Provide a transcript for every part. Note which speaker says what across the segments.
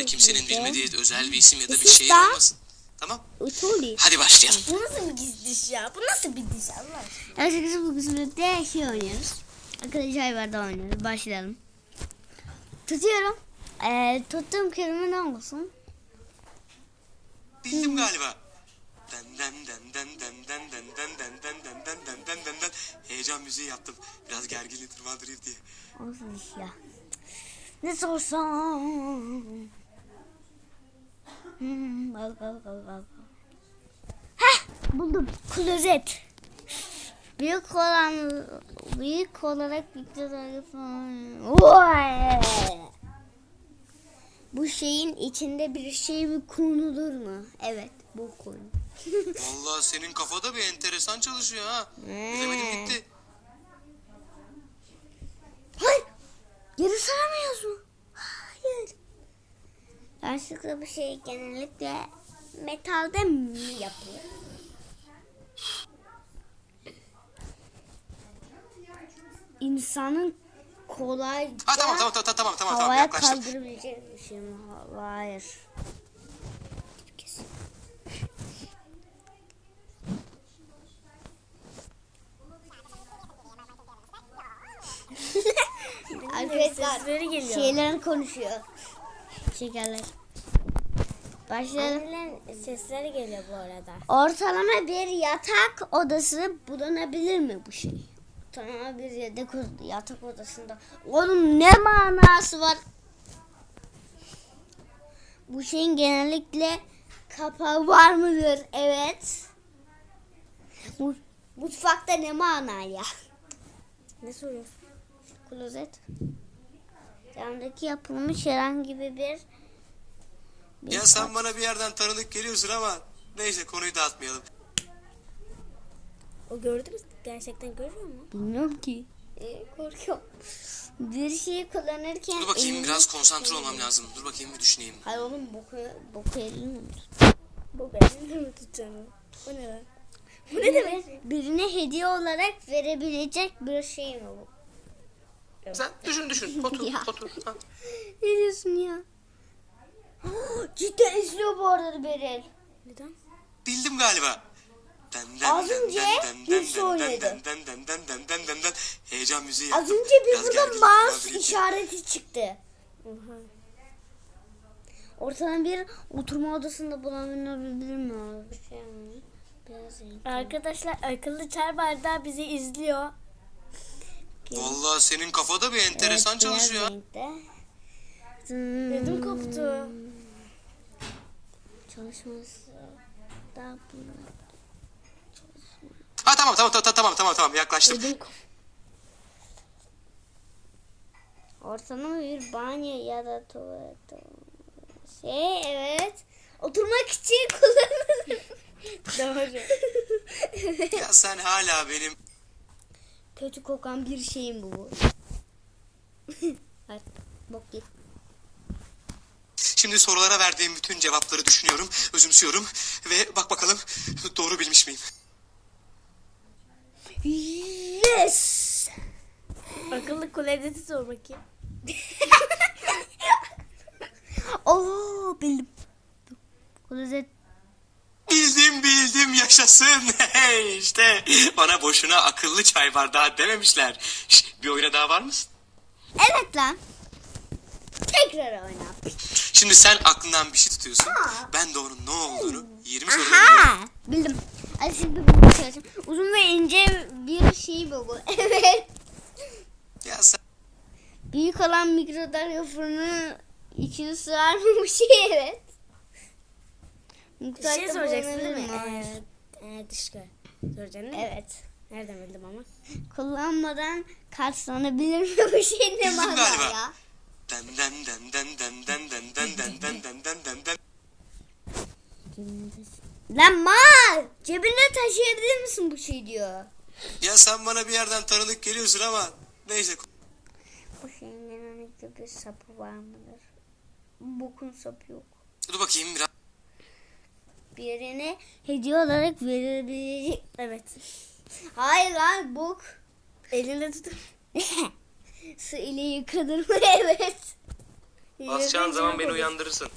Speaker 1: kimsenin bilmediği özel bir isim ya da bir şehir olmasın. Tamam. Hadi başlayalım.
Speaker 2: Bu nasıl bir diş ya? Bu nasıl bir diş Allah aşkına?
Speaker 3: Arkadaşlar bu kısmette şey oynuyoruz. Arkadaşlar vardı oynuyoruz. Başlayalım. Tutuyorum. Tuttuğum kelime ne olsun?
Speaker 1: Bildim galiba. Den den den den den den den den den den den den den den den den. Heyecan müziği yaptım. Biraz gerginliği tırmandırayım diye.
Speaker 3: Olsun iş ya. Ne sorsam? Heh, buldum. Klozet. Büyük olarak bu şeyin içinde bir şey mi konulur mu? Evet, bu konu.
Speaker 1: Vallahi senin kafada bir enteresan çalışıyor ha. Bilemedim gitti.
Speaker 3: Hayır. Geri saramıyoruz mu? Hayır. Yanlışlıkla bu şey genellikle metalde mi yapılır? İnsanın kolayca
Speaker 1: Tamam,
Speaker 3: havaya
Speaker 1: yaklaştım.
Speaker 3: kaldırabileceği bir şey mi? Hayır. Arkadaşlar
Speaker 2: Sesleri geliyor.
Speaker 3: şeyler konuşuyor. Şekerler. Başlayalım.
Speaker 2: Annelerin sesleri geliyor bu arada.
Speaker 3: Ortalama bir yatak odası bulunabilir mi bu şey? Ortalama bir yatak odasında. Onun ne manası var? Bu şeyin genellikle kapağı var mıdır? Evet. Mutfakta ne manaya?
Speaker 2: Ne soruyorsun?
Speaker 3: Klozet. Camdaki yapılmış herhangi bir
Speaker 1: Ya sen bana bir yerden tanıdık geliyorsun ama neyse konuyu dağıtmayalım.
Speaker 2: O gördü mü? Gerçekten görüyor mu?
Speaker 3: bilmiyorum ki. Korkuyorum. Bir şeyi kullanırken
Speaker 1: Dur bakayım biraz konsantre olmam lazım. Dur bakayım bir düşüneyim.
Speaker 3: Hayır oğlum boku elini mi
Speaker 2: Bu benim mi tutacağım? O ne lan?
Speaker 3: Bu ne demek? Birine hediye olarak verebilecek bir şey mi bu?
Speaker 1: Sen düşün.
Speaker 3: Ya.
Speaker 1: Otur. Ha.
Speaker 3: Ne diyorsun ya? Cidden izliyor bu arada Beril.
Speaker 2: Neden?
Speaker 1: Bildim galiba.
Speaker 3: Az önce birisi oynadı.
Speaker 1: Heyecan müziği
Speaker 3: Az
Speaker 1: yaptım.
Speaker 3: önce
Speaker 1: Biraz
Speaker 3: bir burada
Speaker 1: gerginlik
Speaker 3: mouse
Speaker 1: tırmandırayım.
Speaker 3: işareti çıktı.
Speaker 2: Oha.
Speaker 3: Ortadan bir oturma odasında bulunabilir mi? Abi? Bir şey mi? Biraz renkli.
Speaker 2: Arkadaşlar akıllı çay bardağı bizi izliyor.
Speaker 1: Vallahi senin kafada bir enteresan
Speaker 3: Evet,
Speaker 1: çalışıyor.
Speaker 3: beyaz renkte.
Speaker 2: Ödüm koptu.
Speaker 3: Çalışması da
Speaker 1: Ha tamam yaklaştım.
Speaker 2: Ödüm koptu.
Speaker 3: ortalama bir banyo ya da tuvalet evet. Oturmak için kullanılır.
Speaker 2: Doğru.
Speaker 1: Ya sen hala benim...
Speaker 3: Kötü kokan bir şeyim bu. Hadi bok git.
Speaker 1: Şimdi sorulara verdiğim bütün cevapları düşünüyorum, özümsüyorum ve bak bakalım doğru bilmiş miyim?
Speaker 3: Yes.
Speaker 2: Akıllı klozeti sor bakayım.
Speaker 3: Oo bildim. Klozet.
Speaker 1: Bildim yaşasın. Hey işte bana boşuna akıllı çay bardağı dememişler. Bir oyuna daha var mısın?
Speaker 3: Evet lan. Tekrar oyna.
Speaker 1: Şimdi sen aklından bir şey tutuyorsun.
Speaker 3: Aa.
Speaker 1: Ben de onun ne olduğunu 20 soruda
Speaker 3: Aha bildim. Hadi şimdi bunu söyleyeceğim. Uzun ve ince bir şey bu. Evet.
Speaker 1: Ya sen...
Speaker 3: Büyük olan mikrodalga fırını içine sığar mı bu şey? Evet.
Speaker 2: Bir şey soracaksın değil mi?
Speaker 3: Evet.
Speaker 2: Dışkı. Soracaksın değil mi?
Speaker 3: Evet.
Speaker 2: Nereden bildim ama?
Speaker 3: Kullanmadan karşılanabilir mi bu şey ne
Speaker 1: Bildim
Speaker 3: mana
Speaker 1: galiba.
Speaker 3: ya?
Speaker 1: Den.
Speaker 3: Lan mal! Cebinde taşıyabilir misin bu şey diyor.
Speaker 1: Ya sen bana bir yerden tanıdık geliyorsun ama neyse.
Speaker 3: Bu şeyin genellikle bir sapı var mıdır? Bokun sapı yok.
Speaker 1: Dur bakayım biraz.
Speaker 3: Birine hediye olarak verilebilecek.
Speaker 2: Evet.
Speaker 3: Hayır lan bok.
Speaker 2: Elinde tutup.
Speaker 3: Su ile yıkanır mı? Evet.
Speaker 1: Basacağın zaman beni uyandırırsın.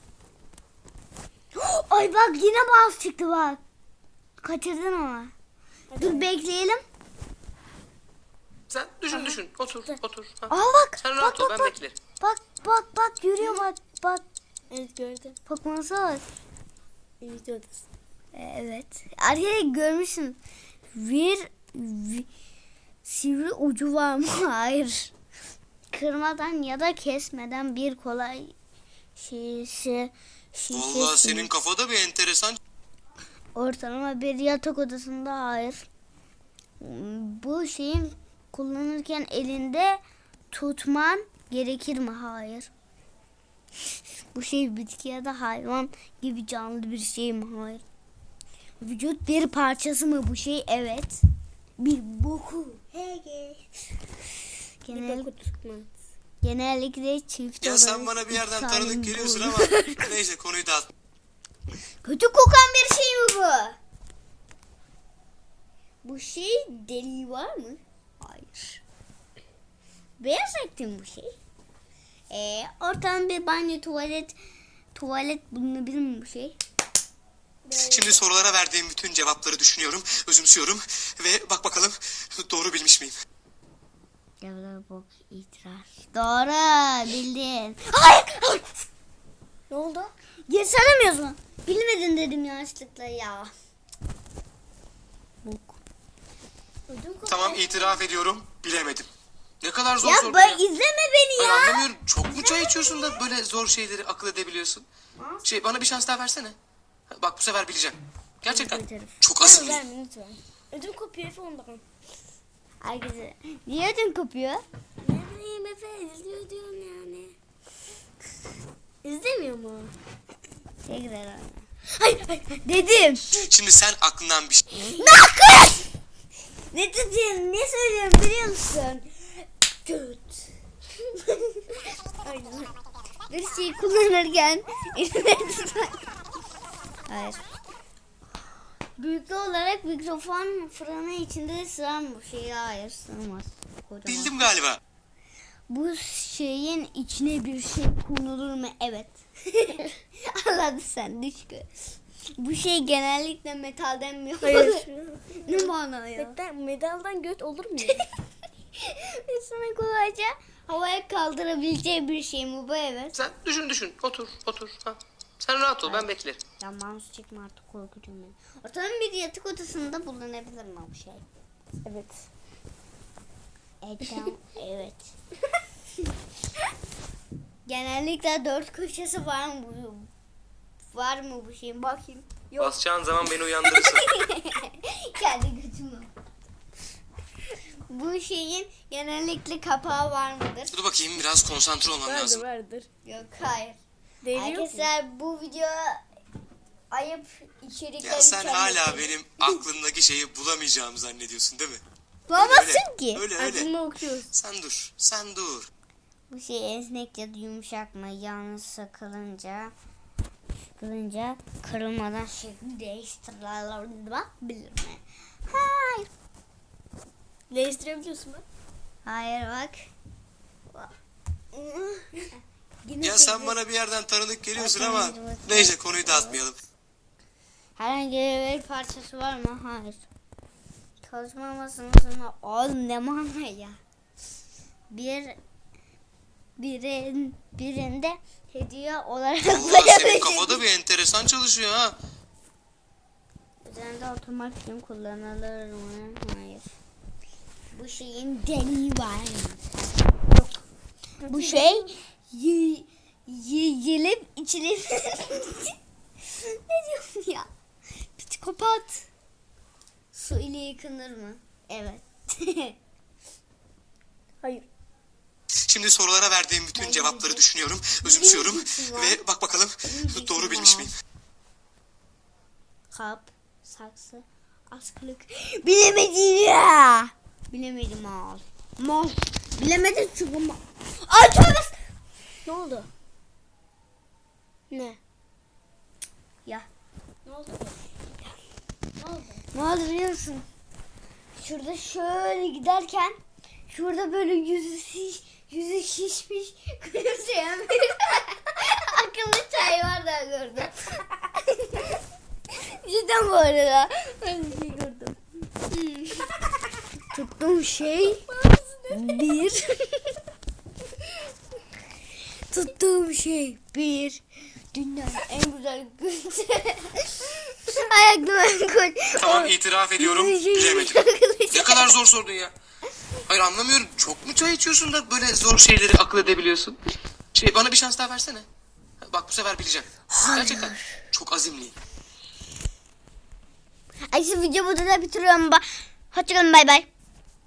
Speaker 3: Ay bak yine mouse çıktı bak. Kaçırdın ama. Dur bekleyelim.
Speaker 1: Sen düşün. Otur. Ha.
Speaker 3: Aa bak.
Speaker 1: Sen rahat ol, ben beklerim.
Speaker 3: Bak yürüyor bak.
Speaker 2: Evet gördüm.
Speaker 3: Bak bak.
Speaker 2: İyi odası.
Speaker 3: Evet. Arkadaşlar görmüşsün. Bir sivri ucu var mı? Hayır. Kırmadan ya da kesmeden bir kolay şişe
Speaker 1: Vallahi senin kafada bir enteresan.
Speaker 3: ortalama bir yatak odasında hayır. Bu şeyin kullanırken elinde tutman gerekir mi? Hayır. Bu şey bitki ya da hayvan gibi canlı bir şey mi? Hayır. Vücut bir parçası mı bu şey? Evet. Bir boku. Genellikle çift
Speaker 1: Ya sen
Speaker 3: olarak
Speaker 1: bana bir yerden
Speaker 3: iki
Speaker 1: tanıdık
Speaker 3: tane
Speaker 1: geliyorsun
Speaker 3: boyu.
Speaker 1: ama neyse, konuyu dağıt.
Speaker 3: Kötü kokan bir şey mi bu? Bu şey deliği var mı? Hayır. Beyaz renkli mi bu şey? Ortadan bir banyo tuvalet bulunabilir mi bu şey?
Speaker 1: Şimdi sorulara verdiğim bütün cevapları düşünüyorum, özümsüyorum ve bak bakalım doğru bilmiş miyim?
Speaker 3: Devlet bok itiraz. Doğru bildin. Hayır.
Speaker 2: Ne oldu?
Speaker 3: Geri söylemiyorsun mu? Bilmedin dedim yanlışlıkla ya. Bok.
Speaker 1: Tamam, itiraf ediyorum, bilemedim. Ne kadar zor
Speaker 3: Ya
Speaker 1: soru
Speaker 3: bak
Speaker 1: ya.
Speaker 3: izleme beni
Speaker 1: Ben
Speaker 3: ya.
Speaker 1: anlamıyorum. Çok mu çay içiyorsun da böyle zor şeyleri akıl edebiliyorsun? Bana bir şans daha versene. Bak bu sefer bileceğim. Gerçekten. Çok azimli.
Speaker 2: Verme lütfen. Ödüm kopuyor Efe ondan.
Speaker 3: Herkese. Niye ödün kopuyor?
Speaker 2: Ne bileyim Efe izliyor diyorum yani. İzlemiyor mu?
Speaker 3: Tekrar anne. Hayır. Dedim.
Speaker 1: Şimdi sen aklından bir şey...
Speaker 3: Nakıs! Ne dedim? Ne söylüyorum biliyor musun? Göt.
Speaker 2: Aynen.
Speaker 3: Bir şey kullanırken eline tutar. Hayır. Büyüklüğü olarak mikrofon fırını içinde sığar mı bu şey? Hayır sığmaz. Kocaman.
Speaker 1: Bildim galiba.
Speaker 3: Bu şeyin içine bir şey konulur mu? Evet. Anladın sen düşkü. Bu şey genellikle metalden mi yapılır?
Speaker 2: Hayır.
Speaker 3: Ne mana ya?
Speaker 2: Medaldan göt olur mu?
Speaker 3: İnsanın kolayca havaya kaldırabileceği bir şey mi bu? Evet.
Speaker 1: Sen düşün. Otur. Ha. Sen rahat ol, ben beklerim.
Speaker 3: Ya mouse çekme artık korkucum beni. Ortalama bir yatak odasında bulunabilir mi bu şey?
Speaker 2: Evet.
Speaker 3: Evet. Genellikle 4 köşesi var mı bu? Var mı bu şeyin? Bakayım.
Speaker 1: Basacağın zaman beni uyandırırsın.
Speaker 3: Kendi götümü. Bu şeyin genellikle kapağı var mıdır?
Speaker 1: Dur bakayım, biraz konsantre olmam lazım.
Speaker 2: Vardır.
Speaker 3: Yok hayır.
Speaker 2: Değil yok mu?
Speaker 3: Arkadaşlar bu video ayıp içerikler
Speaker 1: Ya sen hala
Speaker 3: içermektedir.
Speaker 1: benim aklımdaki şeyi bulamayacağımı zannediyorsun değil mi?
Speaker 3: Bulamazsın ki.
Speaker 1: Öyle.
Speaker 2: Aklımda okuyoruz.
Speaker 1: Sen dur.
Speaker 3: Bu şey esnek ya da yumuşak mı? Yalnız sıkılınca kırılmadan şekli değiştirilebilir mi? Hayır.
Speaker 2: Değiştirebiliyorsun bak.
Speaker 3: Hayır bak. Yine
Speaker 1: Ya sen bana bir yerden tanıdık geliyorsun ama
Speaker 3: Bakın,
Speaker 1: neyse, konuyu dağıtmayalım.
Speaker 3: herhangi bir parçası var mı? Hayır. Çalışma masasında oğlum ne mana ya? Birinde hediye olarak
Speaker 1: Vallahi senin kafada bir enteresan çalışıyor ha.
Speaker 3: üzerinde oturmak için kullanılır mı? Hayır. Bu şeyin deliği var mı? Yok. Bu şey yiyilip içilip ne diyorsun ya? Psikopat. Su ile yıkanır mı? Evet.
Speaker 2: Hayır.
Speaker 1: Şimdi sorulara verdiğim bütün
Speaker 3: Ben
Speaker 1: cevapları
Speaker 3: bildim.
Speaker 1: düşünüyorum, özümsüyorum
Speaker 3: Bildim var.
Speaker 1: ve bak bakalım
Speaker 3: Bildim
Speaker 1: doğru bilmiş
Speaker 3: var.
Speaker 1: miyim?
Speaker 3: Kap, saksı, askılık. Bilemedim ya. Bilemedim al. Mal. Bilemedim çünkü mal. Ay tövbe.
Speaker 2: Ne oldu? Ne?
Speaker 3: Ya.
Speaker 2: Ne oldu?
Speaker 3: Ne oldu biliyor musun? Şurada şöyle giderken şurada böyle yüzü yüzü şişmiş, gülümseyen bir akıllı çay var da gördüm. Cidden bu arada. Ben bir şey gördüm. Tuttuğum şey bir. Tuttuğum şey bir. Dünyanın en güzel gülümse. Ayaklarım koy.
Speaker 1: Tamam, itiraf ediyorum, bilemedim. Ne kadar zor sordun ya. Hayır, anlamıyorum. Çok mu çay içiyorsun da böyle zor şeyleri akıl edebiliyorsun? Bana bir şans daha versene. Bak, bu sefer bileceğim.
Speaker 3: Hayır.
Speaker 1: Gerçekten çok azimliyim.
Speaker 3: Ay, şu videomu burada bitiriyorum. Hoşçakalın, bay bay.